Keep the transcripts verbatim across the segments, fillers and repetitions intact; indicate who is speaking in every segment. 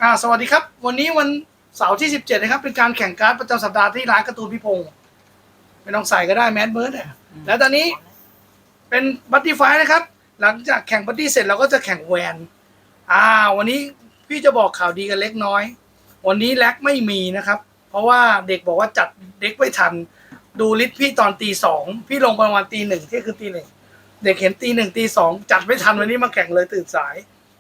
Speaker 1: อ่าสวัสดีครับวันนี้วันเสาร์ที่สิบเจ็ดนะครับเป็นการแข่งการ์ดประจำสัปดาห์ที่ร้านการ์ตูนพี่พงศ์ไม่ต้องใส่ก็ได้แมสเบิร์ดเนี่ยแล้วตอนนี้เป็นบัตตี้ไฟนะครับหลังจากแข่งบัตตี้เสร็จเราก็จะแข่งแวนอ่าวันนี้พี่จะบอกข่าวดีกันเล็กน้อยวันนี้แล็กไม่มีนะครับเพราะว่าเด็กบอกว่าจัดเด็กไม่ทันดูลิสต์พี่ตอนตีสองพี่ลงประมาณตีหนึ่งที่คือตีหนึ่งเด็กเห็นตีหนึ่งตีสองจัดไม่ทันวันนี้มาแข่งเลยตื่นสาย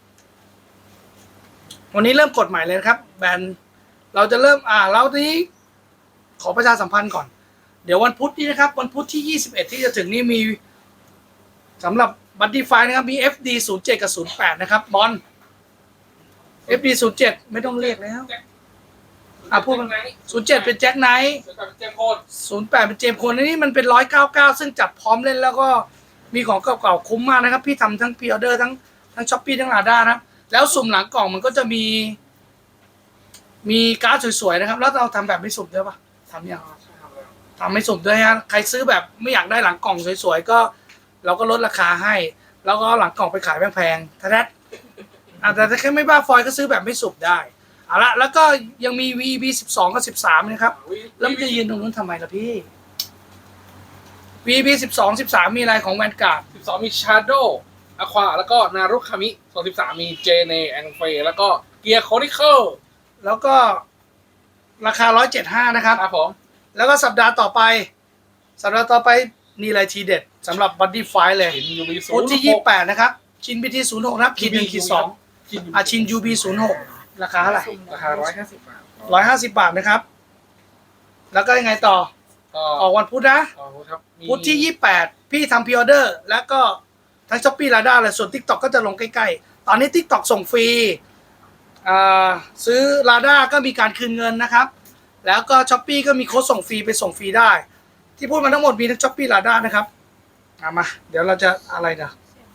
Speaker 1: วันนี้เริ่มกฎใหม่เลยนะครับแบนเราจะเริ่มอ่าแล้วทีนี้ขอประชาสัมพันธ์ก่อนเดี๋ยววันพุธนี้นะครับวันพุธที่ยี่สิบเอ็ดที่จะถึงนี้มีสำหรับบัตตี้ไฟนะครับมี เอฟ ดี ศูนย์เจ็ด กับ ศูนย์แปด นะครับบอล เอฟ ดี ศูนย์เจ็ด ไม่ต้องเรียกแล้วอ่ะพูดกันศูนย์เจ็ดเป็นแจ็คไนท์ศูนย์แปดเป็นเจมส์โคนอันนี้มันเป็นหนึ่งร้อยเก้าสิบเก้าซึ่งจับพร้อมเล่นแล้วก็มีของเก่าๆคุ้มมากนะครับพี่ทำทั้งพรีออเดอร์ทั้งทั้งช้อปปี้ทั้งลาด้านะแล้วสุ่มหลังกล่องมันก็จะมีมีการ์ดสวยๆนะครับแล้วเราทำแบบไม่สุ่มด้วยปะทำยังทำไม่สุ่มด้วยฮะใครซื้อแบบไม่อยากได้หลังกล่องสวยๆก็เราก็ลดราคาให้แล้วก็หลังกล่องไปขายแพงๆถ้าแท้แต่ถ้าแค่ไม่บ้าฟอยก็ซื้อแบบไม่สุ่มได้เอาละแล้วก็ยังมี วี บี สิบสอง กับ สิบสามนะครับแล้วมันจะยืนตรงนู้นทำไมล่ะพี่ วี บี สิบสอง สิบสามมีอะไรของแวนการ์ด
Speaker 2: สิบสองมีชาโดว์อะควาแล้วก็นารุคามิส่วนสิบสามมีเจเนแองเฟแล้วก็เกียร์โคนิเคิล
Speaker 1: แล้วก็ราคาหนึ่งร้อยเจ็ดสิบห้านะครับ
Speaker 2: ครับผม
Speaker 1: แล้วก็สัปดาห์ต่อไปสัปดาห์ต่อไปนี่อะไรทีเด็ดสำหรับบัดดี้ไฟเลยพุธที่ยี่สิบแปดนะครับชินบีทีศูนย์หกนะครับขีดหนึ่งขีดสองอาชินยูบีศูนย์หกราคาเท่าไหร่
Speaker 2: ราคาร้อยห้าสิบบาท
Speaker 1: ร้อยห้าสิบบาทนะครับแล้วก็ยังไงต่อออกวันพุธนะพุธที่ยี่สิบแปดพี่ทำพรีออเดอร์แล้วก็ทั้งช้อปปี้ลาด้าเลยส่วน TikTok ก็จะลงใกล้ๆตอนนี้ TikTok ส่งฟรีซื้อลาด้าก็มีการคืนเงินนะครับแล้วก็ช้อปปี้ก็มีโค้ดส่งฟรีไปส่งฟรีได้ที่พูดมาทั้งหมดมีทั้งช้อปปี้ลาด้านะครับเอามาเดี๋ยวเราจะอะไรนะ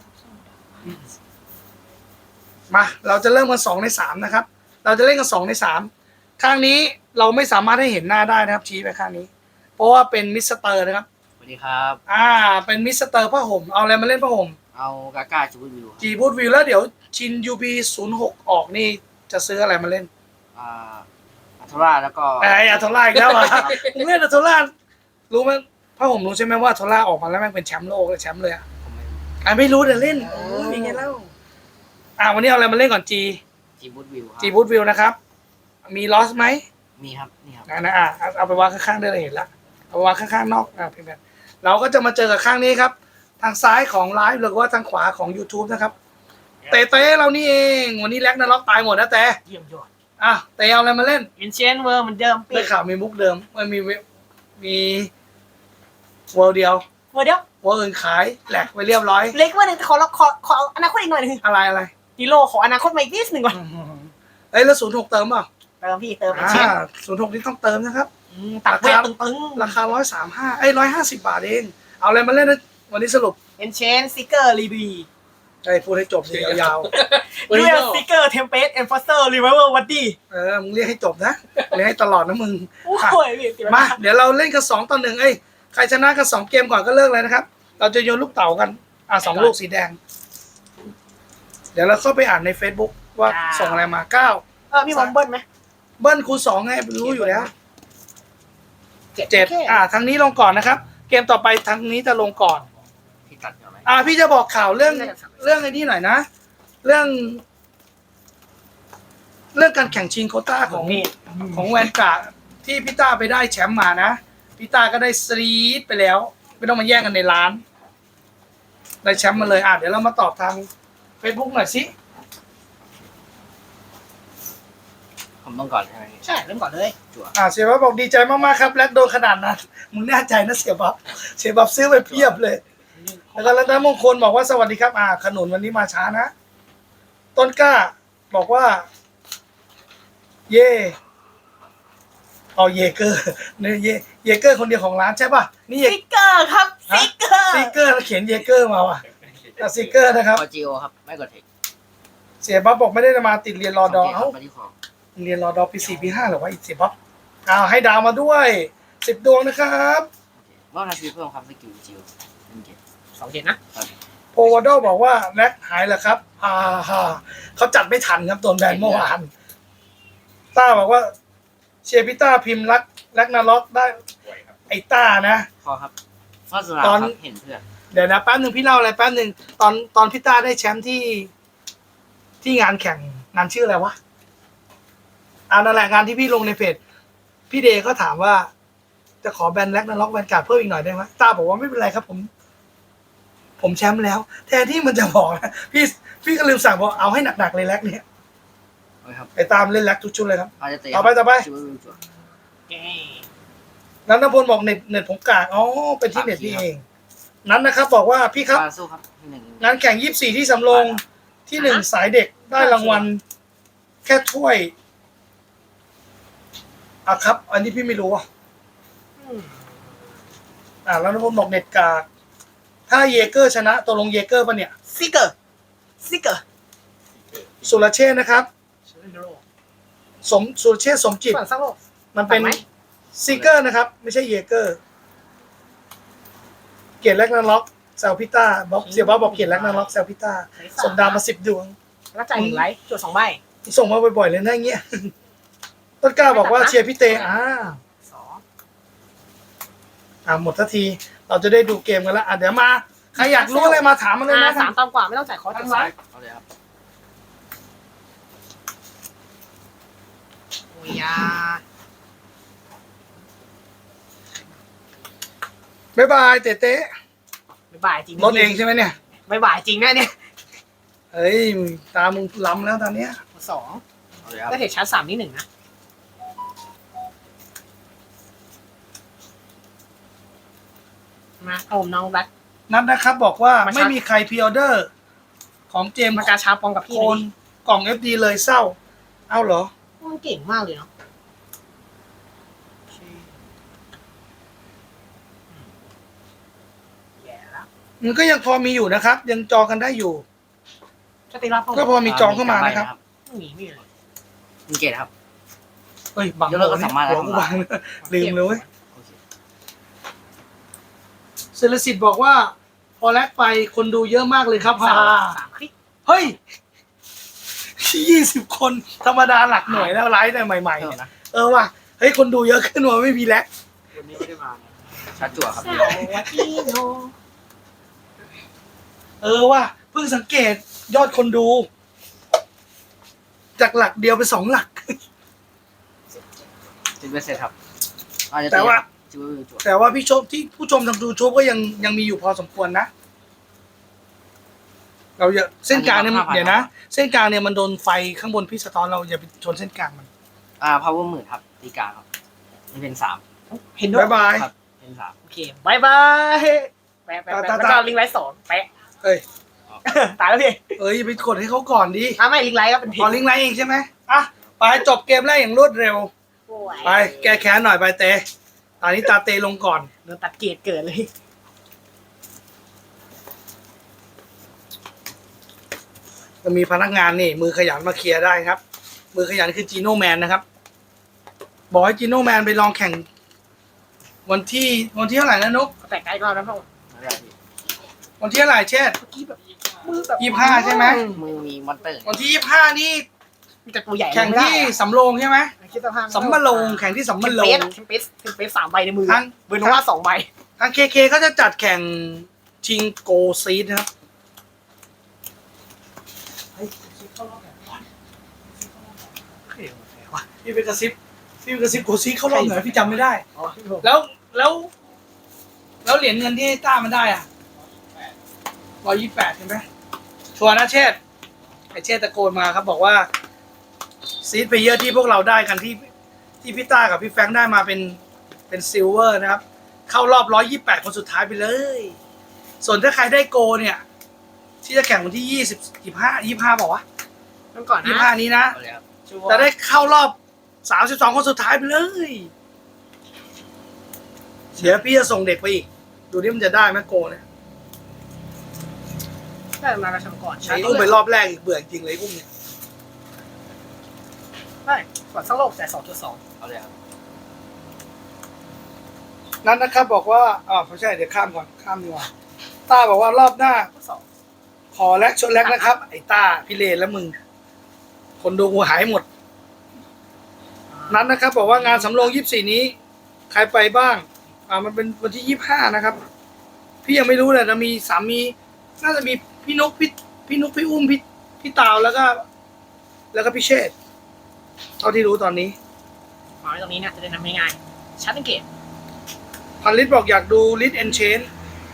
Speaker 1: มาเราจะเริ่มกันสองในสามนะครับเราจะเล่นกันสองในสามข้างนี้เราไม่สามารถให้เห็นหน้าได้นะครับชี้ไปข้างนี้เพราะว่าเป็นมิสเตอร์นะครับ
Speaker 3: สวัสดีครับ
Speaker 1: อ่าเป็นมิสเตอร์ผ้าห่มเอาอะไรมาเล่นผ้าห่ม
Speaker 3: เอากากาจีบูดวิว
Speaker 1: จีบูดวิวแล้วเดี๋ยวชินยูบีศูนย์หกออกนี่จะซื้ออะไรมาเล่น
Speaker 3: อ่าอัทราแล้วก็
Speaker 1: ไอ้อัทราอีกแล้วอ่ะมึงเล่นอัทรารู้ไหมผ้าห่มรู้ใช่ไหมว่าอัทราออกมาแล้วแม่งเป็นแชมป์โลกเลยแชมป์เลยอ่ะอ่ะไม่รู้แต่เล่นโอ้ยยังไงเล่าอ่าวันนี้เอาอะไรมาเล่นก่อนจี
Speaker 3: จีบูดวิว
Speaker 1: จีบูดวิวนะครับมีลอสไหม
Speaker 3: มีครับนี่ครับ
Speaker 1: นะอ่ะเอาไปวางข้างๆได้เลยเห็นละเอาไปวางข้างๆนอกอ่ะเพื่อนๆเราก็จะมาเจอกับข้างนี้ครับทางซ้ายของไลฟ์หรือว่าทางขวาของ YouTube นะครับเตะเตะเรานี่เองวันนี้แล็กนาล็อกตายหมดนะแต่
Speaker 3: เยี่ยมยอด
Speaker 1: อ่ะเตะเอาอะไรมาเล่น
Speaker 3: อินเชนเวอร์เหมือนเดิม
Speaker 1: ได้ข่าวมีมุกเดิมมันมีมีเวิร์เดียว
Speaker 4: เวิร์เดียว
Speaker 1: เวิร์อื่นขายแหลกไปเรียบร้อย
Speaker 4: เล็กว่าหนึ่งขอขอขออนาคตอีกหน่อยนึง
Speaker 1: อะไรอะไร
Speaker 4: กิโลขออนาคตมาอีกนิดหนึ่งก่อน
Speaker 1: เอ้ยแล้วศูนย์หกเติมเปล่า
Speaker 4: เติมพี่เติม
Speaker 1: อ่าศูนย์หกนี่ต้องเติมนะครับ
Speaker 4: ตักเวทตึง
Speaker 1: ๆราคาร้อยสามห้าไอ้ร้อยห้าสิบบาทเองเอาอะไรมาเล่นนะวันนี้สรุป
Speaker 4: เอ็นเชนซิกเกอร์รีบี
Speaker 1: ไอ้พูดให้จบเลยยาว
Speaker 4: ๆเรียกซิกเกอร์เทมเพลตเอ็นฟอสเซอร์รีเวอร์วัดดี้
Speaker 1: เออมึงเรียกให้จบนะเรียกให้ตลอดนะมึง
Speaker 4: โอ้ย
Speaker 1: มาเดี๋ยวเราเล่นกันสองต่อหนึ่งเอ้ยใครชนะกันสองเกมก่อนก็เลิกเลยนะครับเราจะโยนลูกเต๋ากันอ่ะสองลูกสีแดงเดี๋ยวเราเข้าไปอ่านใน Facebook ว่าส่งอะไรมาเก้า
Speaker 4: เออมีบอมเบิ้ลไหม
Speaker 1: เบิ้ลคูณสองไงรู้อยู่แล้วเจ็ดอ่าทางนี้ลงก่อนนะครับเกมต่อไปทางนี้จะลงก่อนอ่าพี่จะบอกข่าวเรื่องเรื่องไอ้นี่หน่อยนะเรื่อง เรื่องการแข่งชิงโควต้าของของแวนการ์ดที่พี่ต้าไปได้แชมป์มานะพี่ต้าก็ได้ซีดไปแล้วไม่ต้องมาแย่งกันในร้านได้แชมป์มาเลยอ่ะเดี๋ยวเรามาตอบทาง Facebook หน่อยสิ
Speaker 3: ผมต้องก่อนใช่ไหม
Speaker 4: ใช่เริ่มก่อนเลย
Speaker 1: จั่วอ่าเสียบ๊อบบอกดีใจมากๆครับแลกโดนขนาดนั้นมึงแน่ใจนะเสียบ๊อบเสียบ๊อบซื้อไปเพียบเลยแล้วก็รัตนมงคลบอกว่าสวัสดีครับอ่าขนุนวันนี้มาช้านะต้นกล้าบอกว่าเย่เอาเยเกอร์เนี่ยเยเยเกอร์คนเดียวของร้านใช่ป่ะนี่
Speaker 4: ซิกเกอร์ครับซิกเกอร์
Speaker 1: ซิกเกอร์แล้วเขียนเยเกอร์มาว่ะซิกเกอร์นะครับ
Speaker 3: กดจิโอครับไม่กดเทค
Speaker 1: เสียบ๊อบบอกไม่ได้มาติดเรียนรอดอเอ้าเรียนรอดอปีสี่ปีห้าหรือว่าอีกเสียบ๊อบอ้าวให้ดาวมาด้วยสิบดวงนะครับ
Speaker 3: ว่านาทีเพิ่มความสกิลจิโอ
Speaker 4: สองเจ็ดนะ
Speaker 1: โพวาโดบอกว่าแล็กหายแล้วครับอ่าฮะเขาจัดไม่ทันครับโดนแบนเมื่อวานต้าบอกว่าเชียร์พี่ต้าพิมพ์รักรักนาล็อกได้
Speaker 2: สวยครับ
Speaker 1: ไอ้ต้านะ
Speaker 3: พอครับฟาสนา
Speaker 1: ตอน
Speaker 3: ครับเห็นเพื่อน
Speaker 1: เดี๋ยวนะแป๊บหนึ่งพี่เล่าอะไรแป๊บหนึ่งตอนตอนพี่ต้าได้แชมป์ที่ที่งานแข่งงานชื่ออะไรวะอ่านั่นแหละงานที่พี่ลงในเพจพี่เดย์ก็ถามว่า จะขอแบนแล็กนาล็อกแบนการ์ดเพิ่มอีกหน่อยได้ไหมต้าบอกว่าไม่เป็นไรครับผม ผมแชมป์แล้ว แทนที่มันจะบอกนะพี่พี่ก็ลืมสั่งบอกเอาให้หนักๆเลยแล็กเนี่ย
Speaker 3: โอเคครับ
Speaker 1: ไอ้ตามเล่นแล็กทุกชุดเลยครับ
Speaker 3: อาจจะเตะ
Speaker 1: ต่อไปต่อไป
Speaker 3: ชิวๆจั่ว
Speaker 4: เย้
Speaker 1: นันทพลบอกเน็ตเน็ตผมกากอ๋อเป็นที่เน็ตพี่เอง นั้นนะครับ บอกว่าพี่ครับ
Speaker 3: บาสู้ครับหนึ่ง
Speaker 1: งานแข่งยี่สิบสี่ที่สำโรงที่หนึ่งสายเด็กได้รางวัล แค่ถ้วยอ่ะครับ อันนี้พี่ไม่รู้อ่ะ
Speaker 4: อืม
Speaker 1: อ่าแล้วนันทพลบอกเน็ตกากถ้าเยเกอร์ชนะตกลงเยเกอร์ปะเนี่ย
Speaker 4: ซิกเกอร์ซิกเกอร์
Speaker 1: สุรเชษฐ์นะครับ
Speaker 4: ชิลโล
Speaker 1: สมสุรเชษฐ์สมจิต
Speaker 4: ฝั่งซักโลก
Speaker 1: มันเป็น
Speaker 4: ตัดไหม
Speaker 1: ซิเกอร์นะครับ ไม่ใช่เยเกอร์ เกียรติแลกนาล็อกแซลพิต้าบอกเสียบ้าบอกเกียรติแลกนาล็อกแซลพิต้าส่งดาวมาสิบดวง
Speaker 4: แล้วจ่ายหนึ่งไลท์จดสองใบ
Speaker 1: ส่งมาบ่อยๆเลยนะอย่างเงี้ย ต้นกล้าบอกว่าเชียร์พี่เตอ่า
Speaker 4: สอง
Speaker 1: อ่าหมดทันที เราจะได้ดูเกมกันแล้วอ่ะเดี๋ยวมา ใครอยากรู้อะไรมาถามมาเลย
Speaker 4: อ่า
Speaker 1: นะ
Speaker 4: สามต่ำกว่าไม่ต้องจ่ายคอร์สจดไลท์
Speaker 3: เอาเลยครับ
Speaker 4: โอ้ยยา
Speaker 1: บ๊ายบายเต้เต้
Speaker 4: ไม่บ่ายจริง
Speaker 1: รถเองใช่ไหมเนี่ย
Speaker 4: ไม่บ่ายจริงนะเนี่ย
Speaker 1: เฮ้ย ตามึงล้ำแล้วตอนเนี้ย
Speaker 4: สอง
Speaker 3: เอาเลยครับ
Speaker 4: แล้วเทคชาร์จสามนี่หนึ่งนะมาโอมน้องแบ็ค
Speaker 1: นัดนะครับบอกว่า
Speaker 4: มาชาร์จ
Speaker 1: ไม่มีใครพรีออเดอร์ ของเจมส์
Speaker 4: มากาชาปองกับพี่
Speaker 1: โค
Speaker 4: เลย
Speaker 1: น
Speaker 4: ดิ
Speaker 1: กล่อง เอฟ ดี เลยเศร้า เอ้าเหรอ
Speaker 4: มันเก่งมากเลยเนาะแย่แล้ว
Speaker 1: มันก็ยังพอมีอยู่นะครับ ยังจองกันได้อยู่
Speaker 4: จะตีรับห้อง
Speaker 1: ก็พอมีจองเข้ามานะครับ
Speaker 4: ไม่มีไม่มีเลย
Speaker 3: มีเกตครับ
Speaker 1: เฮ้ยบัง
Speaker 3: เดี๋ยวเราก็สามารถ
Speaker 1: หัวกูบังลืมเลยเว้ย
Speaker 3: โอเค
Speaker 1: เซเลสิตบอกว่า พอแลกไปคนดูเยอะมากเลยครับ
Speaker 4: สา
Speaker 1: ฮ่าม
Speaker 4: สามคลิก
Speaker 1: เฮ้ยยี่สิบคนธรรมดาหลักหน่วยแล้วไลฟ์แต่ใหม่ๆ
Speaker 3: เพิ่ม
Speaker 1: เนี่ย
Speaker 3: นะ
Speaker 1: เออว่ะเฮ้ยคนดูเยอะขึ้นว่ะไม่มีแล้ว
Speaker 3: วันนี้ไม่ได้มาชาร์จจั่วครับ
Speaker 4: สวัสดีโน
Speaker 1: เออว่ะเพิ่งสังเกตยอดคนดู จากหลักเดียวเป็นสองหลัก
Speaker 3: จินเวสเซ็ตครับอาจจะ
Speaker 1: แต่ว่า
Speaker 3: จิวจั่ว
Speaker 1: แต่ว่าพี่ชมที่ผู้ชมทางดูชมก็ยังยังมีอยู่พอสมควรนะ เราอย่าเส้นกลางเนี่ยเดี๋ยวนะ เส้นกลางเนี่ยมันโดนไฟข้างบนพี่สะท้อนเราอย่าไปชนเส้นกลางมัน
Speaker 3: อ่าพาวเวอร์หมื่นครับตีกลางครับนี่เป็นสาม
Speaker 4: เห็นด้วย
Speaker 1: บ๊ายบาย
Speaker 3: ครับเป็นสาม
Speaker 4: โอเคบายบายแปะแปะแปะ
Speaker 1: ตา
Speaker 4: แล้ว
Speaker 1: ตา
Speaker 4: ก็ลิงก์ไลท์สองแปะ
Speaker 1: เอ้ย
Speaker 4: ตายแล้วพี่
Speaker 1: เอ้ยอย่าไปกดให้เขาก่อนดิ
Speaker 4: อ่ะไม่ลิงก์ไลท์ก็เป็น
Speaker 1: พอลิงก์ไลน์เองใช่ไหมอ่ะไปจบเกมแรกอย่างรวดเร็ว ไป แก้แค้นหน่อยไปเตะตอนนี้ตาเตลงก่อน
Speaker 4: โดนตัดเกรดเกิดเลย
Speaker 1: จะมีพนักงานนี่ มือขยันมาเคลียร์ได้ครับ มือขยันคือจีโน่แมนนะครับ บอกให้จีโน่แมนไปลองแข่ง วันที่วันที่เท่าไหร่นะนุ๊ก
Speaker 4: แต่ไกลก็แล้วพ่อ
Speaker 3: ไม่ได้พี่
Speaker 1: วันที่เท่าไหร่เช่น
Speaker 4: เมื่อกี้แบบมือแบบ
Speaker 1: ยี่สิบห้าใช่ไหม
Speaker 3: มือมีมอนเตอร์
Speaker 1: วันที่ยี่สิบห้านี่
Speaker 4: มีแต่ตัวใหญ่
Speaker 1: แข่ง
Speaker 4: ไม่ได้
Speaker 1: ที่
Speaker 4: อะ
Speaker 1: สำโรงใช่ไหม
Speaker 4: คิดสภาพ
Speaker 1: สำมะโรงแข่งที่สำมะโร
Speaker 4: เท
Speaker 1: ง
Speaker 4: มเปสเทมเปสสามใบในมือ
Speaker 1: ทั้ง
Speaker 4: เบอร์โนวาสองใบ
Speaker 1: ทางเคเคเขาจะจัดแข่งชิงโกซีดนะครับพี่ไปกระซิบพี่ไปกระซิบโกซีดเข้ารอบหน่อยพี่จำไม่ได้
Speaker 4: อ๋อพี่ผม
Speaker 1: แล้วแล้ว แล้วเหรียญเงินที่ต้ามันได้อ่ะร้อยยี่สิบแปดใช่ไหมชัวร์นะเชษฐ์ไอเชษฐ์ตะโกนมาครับ บอกว่าซีดเพเยอร์ที่พวกเราได้กันที่ที่พี่ต้ากับพี่แฟรงค์ได้มาเป็นเป็นซิลเวอร์นะครับ เข้ารอบร้อยยี่แปดคนสุดท้ายไปเลย ส่วนถ้าใครได้โกเนี่ย ที่จะแข่งวันที่ยี่สิบยี่ห้ายี่ห้าบอกว่า
Speaker 4: นั่นก่อน
Speaker 1: ยี่
Speaker 4: นะ
Speaker 1: ห้านี้นะ
Speaker 3: เอาเลยครับ
Speaker 1: จะได้เข้ารอบสามสิบสองคนสุดท้ายไปเลยเดี๋ยวพี่จะส่งเด็กไปอีก ดูนี่มันจะได้ไหมโกเนี่ย
Speaker 4: ได้มากระชับก่อน
Speaker 1: ใช้อุ้มไปรอบแรกอีกเบื่อจริงเลยอุ้มเนี่ย
Speaker 4: ได้ก่อนสักโลกแต่สองจุดสอง
Speaker 3: เอาเลยครับ
Speaker 1: นั้นนะครับบอกว่าอ๋อไม่ใช่เดี๋ยวข้ามก่อนข้ามดีกว่าต้าบอกว่ารอบหน้า
Speaker 4: สอง
Speaker 1: ขอแลกชนแลกนะครับ ไอ้ต้าพี่เลนและมึง คนดูกูหายหมดนั้นนะครับบอกว่างานสำโรงยี่สิบสี่นี้ ใครไปบ้าง อ่ามันเป็นวันที่ยี่สิบห้านะครับ พี่ยังไม่รู้เลยนะมีสามี น่าจะมีพี่นกพี่พี่นุกพี่อุ้มพี่พี่ตาวแล้วก็ แล้วก็พี่เชษฐ์เท่าที่รู้ตอนนี้
Speaker 4: วางไว้ตรงนี้เนี่ยจะได้นำง่ายๆชัดสังเกต
Speaker 1: พันลิตรบอกอยากดูลิตรเอนเชน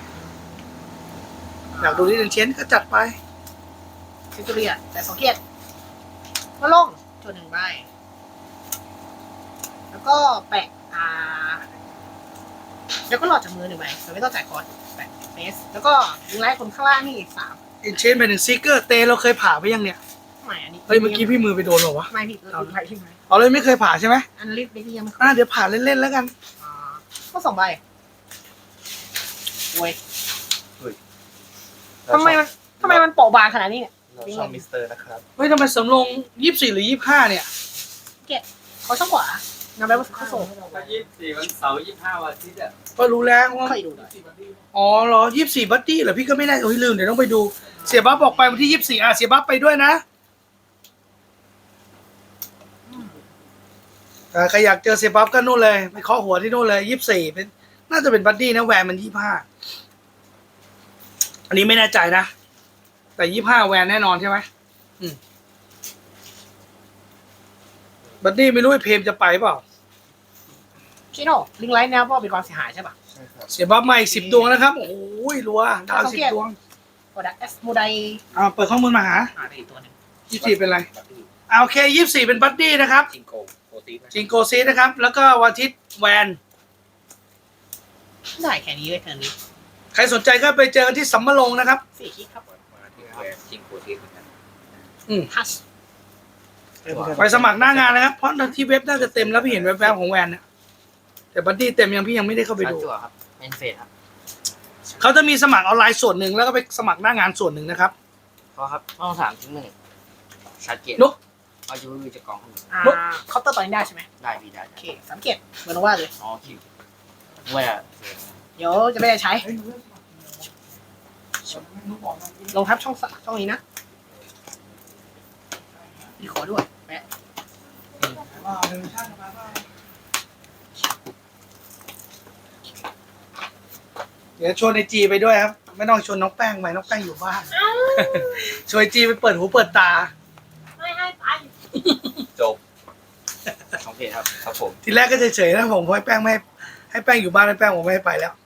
Speaker 1: อยากดูลิตรเอนเชนก็จัดไป
Speaker 4: ซิตูเรียแต่สังเกตว่าลงจนหนึ่งใบแล้วก็แปะอ่าแล้วก็หลอดจากมือหนึ่งใบเราไม่ต้องจ่ายคอร์สแปะเฟสแล้วก็ยิงไล่คนข้างล่างนี่อีกสาม
Speaker 1: เอนเชนไปถึงซิกเกอร์เตเราเคยผ่าไปยังเนี่ย
Speaker 4: ไม่อันนี้
Speaker 1: เฮ้ยเมื่อกี้พี่มือไปโดนเหรอวะ
Speaker 4: ไม่ผิดเราไปที่ไหน
Speaker 1: เอาเลยไม่เคยผ่าใช่ไหม
Speaker 4: อันลิฟต์นี่ยังไม่
Speaker 1: อ่าเดี๋ยวผ่าเล่นๆแล้วกัน
Speaker 4: อ่าก็สองใบโว้ยทำไมมันทำไมมันเปราะบางขนาดนี้เนี่ย
Speaker 5: เราช่องมิสเตอร์นะครับ
Speaker 1: เฮ้ยทำไมสำรองยี่สิบสี่หรือยี่สิบห้าเนี่ย
Speaker 4: เขาช่องขวานำไปว่าเขาส่ง
Speaker 6: วันยี่สิบสี่วันเสาร์ยี่สิบห้าวันอาทิตย์อ่ะ
Speaker 1: ก็รู้แล้วว่า
Speaker 4: เคยดูหน่อย
Speaker 1: อ๋อเหรอยี่สิบสี่บัตตี้เหรอพี่ก็ไม่ได้โอ้ยลืมเดี๋ยวต้องไปดู เสียบัฟบอกไปวันที่ยี่สิบสี่อ่ะเสียบัฟไปด้วยนะอ่าใครอยากเจอเสียบัฟก็นู่นเลยไปเคาะหัวที่นู่นเลยยี่สิบสี่เป็นน่าจะเป็นบัตตี้นะแวนมันยี่สิบห้าอันนี้ไม่แน่ใจนะ แต่ยี่สิบห้าแวนแน่นอนใช่ไหมอืมบัตตี้ไม่รู้ไอ้เพมจะไปเปล่า
Speaker 4: ชิโน่ลิงไลท์แนวเพราะเป็นความเสียหายใช่ป่ะ
Speaker 5: ใช่ครับ
Speaker 1: เสียบัฟมาอีกสิบดวงนะครับ โอ้ยรัวดาวสิบดวง
Speaker 4: โปรดักต์เอสโมได
Speaker 1: เอาเปิดข้อมูลมาหา
Speaker 4: อ่าได้อีกตัวหนึ่ง
Speaker 1: ยี่สิบสี่เป็นไรเอาโอเคยี่สิบสี่เป็นบัตตี้นะครับ
Speaker 6: จิงโกโปรตีน
Speaker 1: จิงโกซีนะครับ แล้วก็วันอาทิตย์แวน
Speaker 4: ได้แค่นี้เลยเทิร์นนี้
Speaker 1: ใครสนใจก็ไปเจอกันที่สัมมะลงนะครับ
Speaker 4: สี่คลิกครับ
Speaker 6: มาที่แวนจิงโปรตีนเหมือนกัน
Speaker 4: ทัช
Speaker 1: ไปสมัครหน้างานนะครับ เพราะที่เว็บน่าจะเต็มแล้วพี่เห็นแวบๆของแวนเนี่ยแต่บัตตี้เต็มยังพี่ยังไม่ได้เข้าไป
Speaker 3: ชาร์
Speaker 1: ดู
Speaker 3: จจั่วครับเป็นเฟสครับ
Speaker 1: เขาจะมีสมัครออนไลน์ส่วนหนึ่งแล้วก็ไปสมัครหน้างานส่วนหนึ่งนะครับ
Speaker 3: เพราะครับต้องสามทิ้งหนึ่งชาร์จเกต
Speaker 1: นุ๊ก
Speaker 3: เอายูวีจากกองขึ้นมา
Speaker 4: อ่าเคาน์เตอร์ตอนนี้ได้ใช่ไหม
Speaker 3: ได้พี่ได้
Speaker 4: โอเคสังเกตเหมือนว่าเลย
Speaker 3: อ๋อคิวเว้ยอะ
Speaker 4: เดี๋ยวจะไม่ได้ใช้ ลงทับช่องสะช่องนี้นะมีขอด้วยแปะ
Speaker 1: เดี๋ยวชวนไอจีไปด้วยครับ ไม่ต้องชวนน้องแป้งไปน้องแป้งอยู่บ้าน ชวนไอจีไปเปิดหูเปิดตา
Speaker 4: ไม่ให้ไป
Speaker 5: จบ
Speaker 3: สองเฟสครับ
Speaker 5: ครับผม
Speaker 1: ทีแรกก็เฉยๆนะผมเพราะให้แป้งไม่ให้ให้แป้งอยู่บ้านให้แป้งผมไม่ให้ไปแล้ว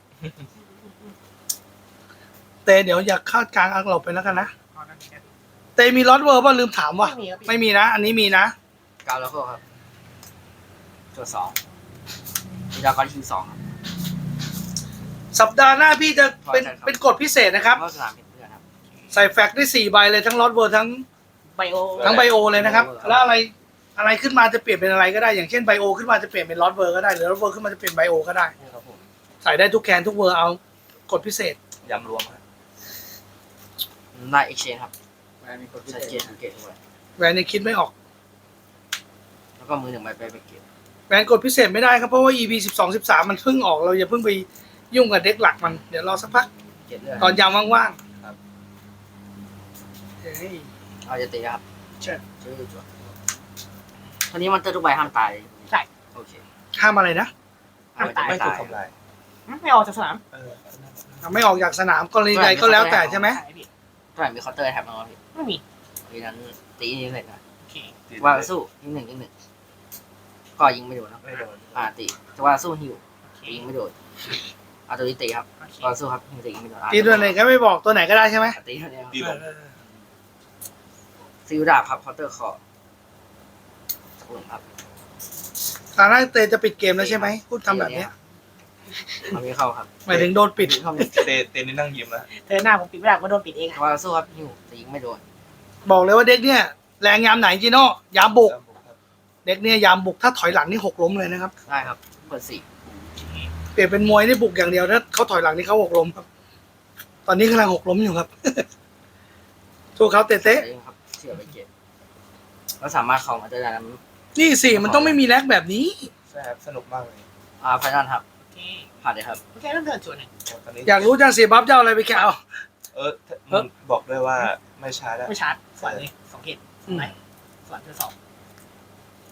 Speaker 1: เตเดี๋ยวอยากเข้ากลางอังเราไปแล้วกันนะ เตมีลอตเวอร์ป่ะลืมถามว่ะ
Speaker 4: ไม่มีครับ
Speaker 1: ไม่มีนะ อันนี้มีนะ
Speaker 3: เก้าแล้วก็ครับตัวสองมีดาวกอนคิวสองครับ
Speaker 1: สัปดาห์หน้าพี่จะเป็น
Speaker 3: ใช่ครับ
Speaker 1: เป็นกฎพิเศษนะครับ
Speaker 3: เพราะสนามเป็นเพื่อนครับ
Speaker 1: ใส่แฟกซ์ได้สี่ใบเลยทั้งลอตเวอร์ทั้ง
Speaker 4: ไบโอ
Speaker 1: ทั้งไบโอเลยนะครับ
Speaker 3: ไบโอ
Speaker 1: แล้วอะไรอะไรขึ้นมาจะเปลี่ยนเป็นอะไรก็ได้ อย่างเช่นไบโอขึ้นมาจะเปลี่ยนเป็นลอตเวอร์ก็ได้หรือลอตเวอร์ขึ้นมาจะเปลี่ยนไบโอก็ได้
Speaker 5: ครับผม
Speaker 1: ใส่ได้ทุกแคนทุกเวอร์เอากฎพิเศษ
Speaker 5: ยำรวมครับ
Speaker 3: ได้เอ็กชแนนครับ
Speaker 6: แวนมีคนพิ
Speaker 3: ชาร์จ
Speaker 6: เศ
Speaker 3: เกต
Speaker 6: ษ
Speaker 3: สังเกตด้วย
Speaker 1: แวนยังคิดไม่ออก
Speaker 3: แล้วก็มือหนึ่งใบไปไปเกต
Speaker 1: แวนกดพิเศษไม่ได้ครับเพราะว่า อี พี สิบสอง สิบสามมันเพิ่งออกเราอย่าเพิ่งไปยุ่งกับเด็กหลักมันเดี๋ยวรอสักพัก
Speaker 3: เกตเลือด
Speaker 1: ตอนยามว่าง
Speaker 5: ครับ
Speaker 1: ๆเฮ้ย
Speaker 3: เราจะตีครับ
Speaker 1: เชิญ
Speaker 3: ชื่อจั่วตอนนี้มันเตอร์ทุกใบห้ามตายใช่โอเค
Speaker 1: ห้ามอะไรนะ
Speaker 3: ห้ามตาย
Speaker 5: ไม่ถู
Speaker 3: ตาก ย
Speaker 5: ทำลาย
Speaker 4: ไม่ออกจากสนาม
Speaker 5: เออ
Speaker 1: ไม่ออกจากสนามกรณีใดก็แล้วแต่ใช่ไหม
Speaker 4: ใช่พี่
Speaker 3: เท่าไหร่มีเคาน์เตอร์แท็บบ้างครับพี่
Speaker 4: ไม่มี
Speaker 3: เพราะฉะนั้นตีนี้เลยนะ
Speaker 4: โอเค
Speaker 3: ว่าสู้ยิงหนึ่งยิงหนึ่งก็ยิงไม่โดนครับ
Speaker 5: ไม่โดน
Speaker 3: อ่าตีแต่ว่าสู้ฮิว
Speaker 4: โอเค
Speaker 3: ยิงไม่โดนเอาตัวนี้ตีครับ
Speaker 4: โอเค
Speaker 3: ว่าสู้ครับยิงตียิงไม่โดนอ่ะ
Speaker 1: ตีตัวไหนก็ไม่บอกตัวไหนก็ได้ใช่ไหม
Speaker 3: ตีเท่านี้ครับ
Speaker 5: ดีลง
Speaker 1: เออ
Speaker 3: ซิลดาบครับเคาน์เตอร์คอสักหนึ่งครับ
Speaker 1: ตอนแรกเตจะปิดเกมแล้วใช่ไหมพูดทำแบบเนี้ย
Speaker 3: เอาไม่เข้าครับ
Speaker 1: หมายถึงโดนปิด
Speaker 3: เข้าไม่
Speaker 5: เตเตนี่นั่งยิ้มแล้ว
Speaker 4: เธอหน้าผมปิดไม่ได้ผมโดนปิดเอง
Speaker 3: แต่
Speaker 4: อะ
Speaker 3: ว่าสู้ครับฮิวแต่ยิงไม่โดน
Speaker 1: บอกเลยว่าเด็กเนี่ยแรงยามไหนจีโน่ยามบุก
Speaker 5: ครับผมครับ
Speaker 1: เด็กเนี่ยยามบุกถ้าถอยหลังนี่หกล้มเลยนะครับ
Speaker 3: ได้ครับเปิดสี่
Speaker 1: เปลี่ยนเป็นมวยนี่บุกอย่างเดียวถ้าเขาถอยหลังนี่เขาหกล้มครับ ตอนนี้กำลังหกล้มอยู่ครับ สู้เขาเตะ
Speaker 3: ได้ครับเชื่อไปเก็บแล้วสามารถเข้ามาได้แล้วนะ
Speaker 1: ๆนี่สิมันต้องไม่มีแลกแบบนี้
Speaker 5: ใช่ครับสนุกมากเลย
Speaker 3: อ่าไฟนอลครับ
Speaker 4: โอเค
Speaker 3: ผ่านเลยครับ
Speaker 4: โอเคเริ่มเทิร์นจวนหนึ่ง
Speaker 5: ตอนนี้
Speaker 1: อยากรู้จังเสียบัฟจะเอาอะไรไปแกเอา
Speaker 5: เออมึงบอกด้วยว่าไม่ช้าแล้ว
Speaker 4: ไม่ชาร์จสวนเลยสองเกต
Speaker 1: อืม
Speaker 4: ไหนสวนเธอสอง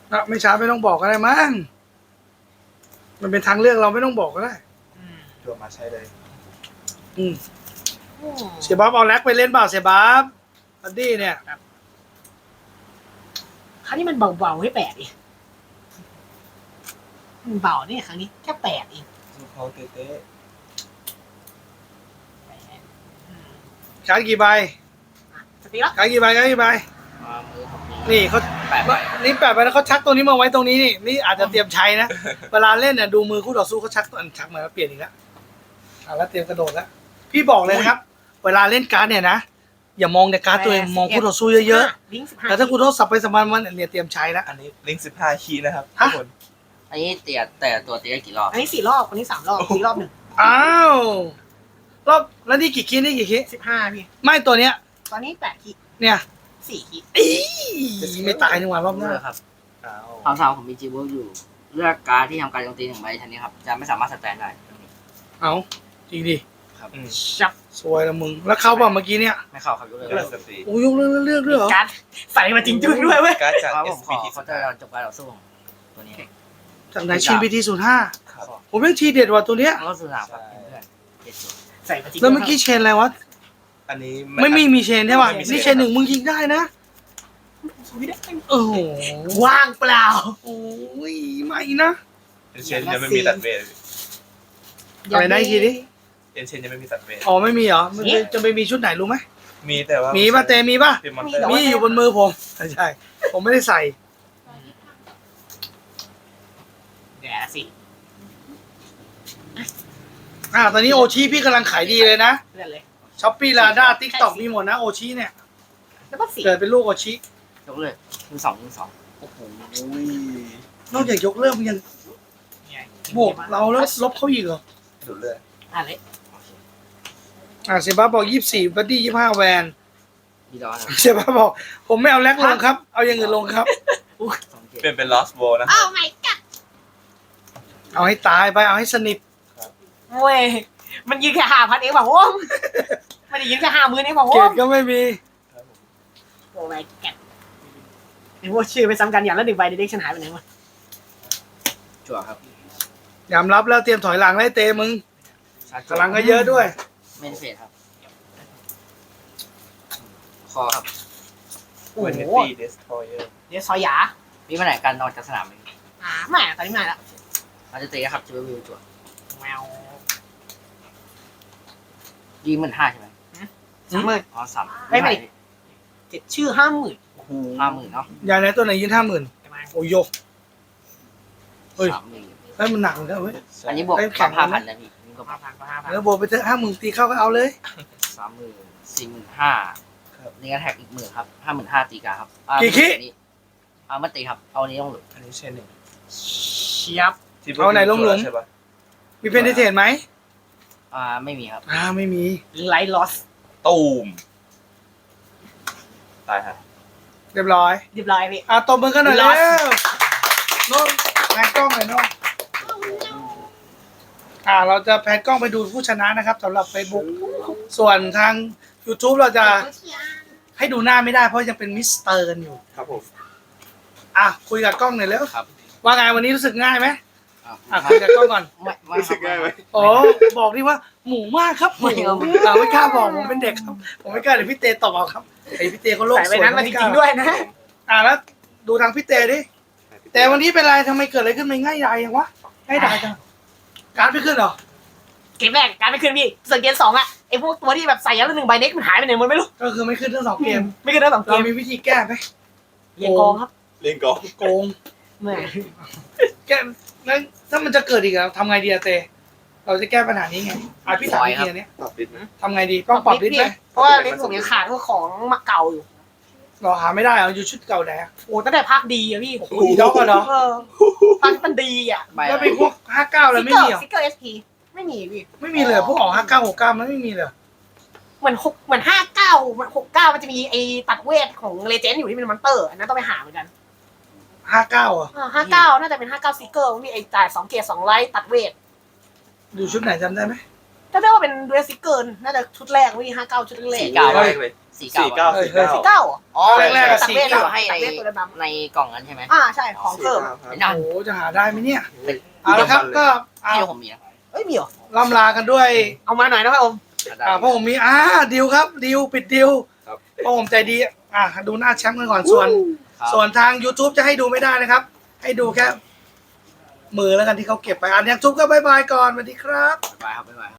Speaker 1: นะไม่ช้าไม่ต้องบอกก็ได้มั้งมันเป็นทางเลือกเราไม่ต้องบอกก็ได้
Speaker 4: อืม
Speaker 5: ตัวมาใช้เลย
Speaker 1: อืม
Speaker 4: อืม
Speaker 1: เสียบ๊อบเอาแล็กไปเล่นเปล่าเสียบ๊อบบัดดี้เนี่ย
Speaker 4: ครั้งนี้มันเบาๆให้แปดดิมันเบาเนี่ยครั้งนี้แค่แปดเอง
Speaker 5: สู้เขาเต้
Speaker 4: แปดอืม
Speaker 1: การดกี่ใบ
Speaker 4: อ่ะสติแล้ว
Speaker 1: การดกี่ใบการดกี่ใบ
Speaker 3: มามือผมมี
Speaker 1: นี่เขา
Speaker 3: แปดใบ
Speaker 1: นี่แปะไปแล้วเขาชักตัวนี้มาไว้ตรงนี้นี่นี่อาจจะเตรียมใช้นะ เวลาเล่นเนี่ยดูมือคู่ต่อสู้เขาชักตัวชักมาแล้วเปลี่ยนอีกแล้วอ่ะแล้วเตรียมกระโดดแล้วพี่บอกเลยนะครับ เวลาเล่นการ์ดเนี่ยนะอย่ามองแต่การ์ดตัวเองมองคู่ต่อสู้เยอะ
Speaker 4: ลิงก์สิบ
Speaker 1: ๆ
Speaker 4: ห้า
Speaker 1: แต่ถ้าคุณโทษสับไปสับมันมันเนี่ยเตรียมใช้แล้ว
Speaker 5: อันนี้ลิงก์สิบห้าคีย์นะครับ
Speaker 1: ฮะ
Speaker 5: ทุกคน
Speaker 3: อันนี้เตียแต่ตัวเตียกี่รอบ
Speaker 4: อันนี้สี่รอบอันนี้สามรอบสี่รอบหนึ่ง
Speaker 1: อ้าวรอบแล้วนี่กี่คิดนี่กี่คิด
Speaker 4: สิบห้าพี่
Speaker 1: ไม่ตัวเนี้ย
Speaker 4: ตอนนี้แปดขีด
Speaker 1: เนี่ย
Speaker 4: สี่ขีด
Speaker 1: อีไม่ตายนี่หว่ารอบหน้า
Speaker 3: เลือกครับ
Speaker 5: อ้าว
Speaker 3: คำถามผมมีจีเวิร์กอยู่ เลือกการดที่ทำการโจมตีหนึ่งใบชนิดครับ จะไม่สามารถสแตนได้ตรงนี้
Speaker 1: เอาจริงดิ
Speaker 5: อืม
Speaker 4: ชับ
Speaker 1: สวยละมึงแล้วเข้าเปล่าเมื่อกี้เนี่ย
Speaker 3: ไม่เข้าครับยกเลิก
Speaker 5: เลือกสตรี
Speaker 1: โอ้ยกเลือกเลือกด้วยเหรอ
Speaker 4: การ์ดใส่มาจริงจุ้งด้วยเว้ย
Speaker 5: การ์ดจาก
Speaker 3: เพราะผ
Speaker 5: เอ
Speaker 3: ม
Speaker 5: ส
Speaker 3: ข
Speaker 5: พี
Speaker 3: อ
Speaker 5: ที
Speaker 3: เขาจะจบการต่อสู้ของตัวนี้
Speaker 1: จากไหนชินพีทีศูนย์ห้า
Speaker 5: ครับ
Speaker 1: ผมยังทีเด็ดว่ะตัวเนี้ย
Speaker 3: แล้วก็สุดท้ายครับเพื่อนเจ็ดส่วน
Speaker 4: ใส่มาจริง
Speaker 1: แล้วเมื่อกี้เชนอะไรวะ
Speaker 5: อันนี้
Speaker 1: ไม่มีมีเชนใช่ป่ะ
Speaker 5: ไม่มีเชน
Speaker 1: นี่เชนหนึ่งมึงยิงได้นะโอ้โห
Speaker 4: ว่างเปล่า
Speaker 1: โอ้ยไม่นะ
Speaker 5: เอ็นเชนยังไม่มีตัดเวท
Speaker 1: อะไรนะอีกทีดิ
Speaker 5: เอ็นเชนยังไม่มีตัดเวท
Speaker 1: อ๋อไม่มีเหรอมันจะจะไปมีชุดไหนรู้ไหม
Speaker 5: มีแต่ว่า
Speaker 1: มี
Speaker 5: มี
Speaker 1: ป่ะเตมีป่ะ
Speaker 5: เป็นมอนเตอร์
Speaker 1: มีอยู่บนมือผมใช่ใช่ผมไม่ได้ใส่
Speaker 4: เดี๋ยวสิ
Speaker 1: อ่าตอนนี้โอชิพี่กำลังขายดีเลยนะ
Speaker 4: เลื่อนเลย
Speaker 1: ช้อปปี้ลาด้าทิกตอกมีหมดนะโอชิเนี่ย
Speaker 4: แล้วก็สี่
Speaker 1: เกิดเป็นลูกโอชิ
Speaker 3: ยกเลิกมือสองมือสอง
Speaker 5: โอ้โห
Speaker 1: นอกจากยกเลิกมันยัง
Speaker 4: เนี่ย
Speaker 1: บวกเราแล้วลบเขาอีกเหรอ
Speaker 5: ดูดเลือด
Speaker 4: อ่ะเลย
Speaker 3: โอเค
Speaker 1: อ่าเซบาบอกยี่สิบสี่บัดดี้ยี่สิบห้าแวน
Speaker 3: ดีดอนะ
Speaker 1: เซบาบอกผมไม่เอาแล็กลงครับ เอาอย่างอื่นลงครับ
Speaker 3: สองเจ็ด
Speaker 5: เป็นเป็นลอสโบนะ
Speaker 4: อ้าวไม่กัด
Speaker 1: เอาให้ตายไปเอาให้สนิท
Speaker 4: เว้ยมันยืนแค่ห้าพันเองเปล่าวะมันยืนแค่ห้าหมื่นเองเปล่า
Speaker 1: เกร
Speaker 4: วะ
Speaker 1: ดก็ไม่มี
Speaker 5: ครับผม
Speaker 4: โอ้ไม่กัดไอ้พวกชื่อไปซ้ำกันอย่างละหนึ่งใบเด็กฉันหายไปไหนวะ
Speaker 3: จั่วครับ
Speaker 1: ยอมรับแล้วเตรียมถอยหลังไล่เตะมึง
Speaker 3: ชาร์จ
Speaker 1: พลังก็เยอะด้วย
Speaker 3: ไม่ได้เฟดครับคอครับ
Speaker 4: โอ้
Speaker 5: เวน
Speaker 4: โห
Speaker 5: เนตี้เดสทรอยเออร์
Speaker 4: เดี๋ยวซอยหยา
Speaker 3: มีปัญหาการนอนจากสนามไหม
Speaker 4: อ่าไม่ตอนนี้ไม่ละ
Speaker 3: เราจะตีครับจะไปวิวจั่ว
Speaker 4: แมว
Speaker 3: ยีหมื่นห้าใช่ไหม
Speaker 4: สามหมื่น
Speaker 3: อ๋อสาม
Speaker 4: ไม่ไม่ เจ็ดชื่อห้าหมื่น
Speaker 3: ห้าหมื่นเนาะ
Speaker 1: ยายไหนตัวไหนยืนห้าหมื่น
Speaker 4: ประมาณ
Speaker 1: โอ้ยโยก เฮ้ย
Speaker 3: สามหมื่น
Speaker 1: เฮ้ยมันหนักเหมือนกันเว้ย
Speaker 3: อันนี้บวก
Speaker 1: เอ้ยแข็
Speaker 3: สาง มห้า
Speaker 1: นะ
Speaker 3: พันนะพี่นี่ก็
Speaker 4: ห้าพันก็ห้าพัน
Speaker 1: แล้วโบวกไปเถอะห้าหมื่นตีเข้าก็เอาเลย
Speaker 3: สามหมื่นสี่หมื่นห้านี่ก็แท็กอีกหมื่นครับห้าหมื่นห้าตีกาครับอ่า
Speaker 1: กี่คิ
Speaker 3: อันนี้เอามาตีครับเอาอันนี้ลงหลุม
Speaker 5: อันนี้เชนหนึ่ง
Speaker 4: เชียบ
Speaker 5: ที่
Speaker 1: เอาไหนลงหลุม
Speaker 5: ใช่ปะ
Speaker 1: มีเพนเทนไหม
Speaker 3: อ่าไม่มีครับ
Speaker 1: อ่าไม่มี
Speaker 4: ไลท์ลอส
Speaker 5: ตูมตายฮะ
Speaker 1: เรียบร้อย
Speaker 4: เรียบร้อยพี่
Speaker 1: อ่ะตบมือกันหน่อยแล้ว
Speaker 4: Lost
Speaker 1: โน้นแพนกล้องหน่อยโน้นอ่า เราจะแพนกล้องไปดูผู้ชนะนะครับสำหรับ Facebook ส่วนทาง YouTube เราจะให้ดูหน้าไม่ได้เพราะยังเป็นมิสเตอร์กันอยู่
Speaker 5: ครับผม
Speaker 1: อ่ะคุยกับกล้องหน่อยเร็ว
Speaker 3: ครับ
Speaker 1: ว่าไงวันนี้รู้สึกง่ายไหม
Speaker 3: อ่า
Speaker 1: อ่ะคุยกับกล้องก่อน
Speaker 3: ไม่ไม่
Speaker 5: รู้สึกง่ายไหม
Speaker 1: โอ้บอกดิว่าหมูมากครับหมู
Speaker 3: ไม่เอา
Speaker 1: อ่าไม่กล้าบอกผมเป็นเด็กครับ ผมไม่กล้าเดี๋ยวพี่เตตอบเอาครับไอพี่เตเขาโลก
Speaker 4: ใส่
Speaker 1: ส
Speaker 4: ไป
Speaker 1: วย
Speaker 4: นั้นมาจ
Speaker 1: ไม่กล้
Speaker 4: ริงๆด้วยนะ
Speaker 1: อ่าแล้วดูทางพี่เตดิแต่วันนี้เป็นไรทำไมเกิดอะไรขึ้นไม่ง่ายดายยังวะง่ายดายจังการดไม่ขึ้นเหรอ
Speaker 4: เกมแรกการไม่ขึ้นพี่ส่วนเกมสองอะไอพวกตัวที่แบบใส่ยันละหนึ่งใบเด็กมันหายไปไหนหมดไม่รู้
Speaker 1: ก็คือไม่ขึ้นทั้งสองเกม
Speaker 4: ไม่ขึ้นทั้งสองเก
Speaker 1: เรา
Speaker 4: ม
Speaker 1: มีวิธีแก้ไหม
Speaker 4: เรียงกองครับ
Speaker 5: เล่นกอล์ฟ
Speaker 1: โกง
Speaker 4: แหม่
Speaker 1: แก้แล้วถ้ามันจะเกิดอีกอะทำไงดีอะเต เราจะแก้ปัญหานี้ไงอ่ะพี่ถามวิธีอันเนี้ย
Speaker 5: ปรับปิดไหม
Speaker 1: ทำไงดีต้องปรับลิสต์ไหม
Speaker 4: เพราะว่าลิสต์ผมยังขาดพวกของมาเก่าอยู่
Speaker 1: เราหาไม่ได้เอาอยู่ชุดเก่าไหนอะ
Speaker 4: โอ้ตั้งแต่ภาคดีอะพี่
Speaker 1: โอ้โหอีด็อกอะเนาะ
Speaker 4: เออภาคที่มันดีอะ
Speaker 3: ใบ
Speaker 1: แล้วเป็นพวกห้าเก้าเลยไม่มีเหรอ
Speaker 4: ซิกเกอร์เอสพีไม่มีพี่
Speaker 1: ไม่มีเลยเหรอพวกออกห้าเก้าหกเก้ามันไม่มีเลยเหรอ
Speaker 4: เหมือนหกเหมือนห้าเก้าหกเก้ามันจะมีไอตัดเวทของเลเจนด์อยู่ที่เป็นมอนเตอร์อันนั้นต้องไปหาเหมือนกัน
Speaker 1: ห้าเก้าอ่ะ
Speaker 4: ห้าเก้าน่าจะเป็นห้าเก้าซิกเกอร์มีไอจ่ายสองเกียร์สองไลท์ตัดเวท
Speaker 1: อยู่ชุดไหนจำได้ไหม
Speaker 4: ถ้าได้ว่าเป็นเดรสซิกเกอร์น่าจะชุดแรกวิห้าเก้าชุดแรก
Speaker 3: สี่เก้า
Speaker 1: เฮ้ย
Speaker 3: สี่
Speaker 5: สี่
Speaker 3: เก้า
Speaker 5: เก้า
Speaker 1: เฮ้ย
Speaker 5: สี่
Speaker 1: เฮ้ย
Speaker 5: เก้า
Speaker 4: เก้าเหรอ
Speaker 3: อ๋อ
Speaker 1: แรกๆอะ
Speaker 4: ตัด
Speaker 1: สี่
Speaker 4: เวท
Speaker 1: เก้า
Speaker 4: เหรอ
Speaker 3: ให้
Speaker 4: ตั
Speaker 3: ใน
Speaker 4: ดเวทตัวดำ
Speaker 3: ในกล่องนั้นใช่ไหม
Speaker 4: ๆอ่าใช่ของเพิ่ม
Speaker 3: ไม่ได้
Speaker 1: โอ้โหจะหาได้ไหมเนี่ยเอาละครับก็อ่า
Speaker 3: ที่ผมมีนะ
Speaker 4: เอ้ยมีเหรอ
Speaker 1: ล่ำลากันด้วย
Speaker 4: เอามาหน่อยนะครับผม
Speaker 1: อ่าเพราะผมมีอ่าดิวครับดิวปิดดิว
Speaker 6: ครับ
Speaker 1: เพราะผมใจดีอ่าดูหน้าแชมป์กันก่อนส่วน ส่วนทาง YouTube จะให้ดูไม่ได้นะครับ ให้ดูแค่มือแล้วกันที่เขาเก็บไปอันยังทุบก็บายบายก่อนสวัสดีครับ
Speaker 3: บ๊ายบายครับบ๊ายบาย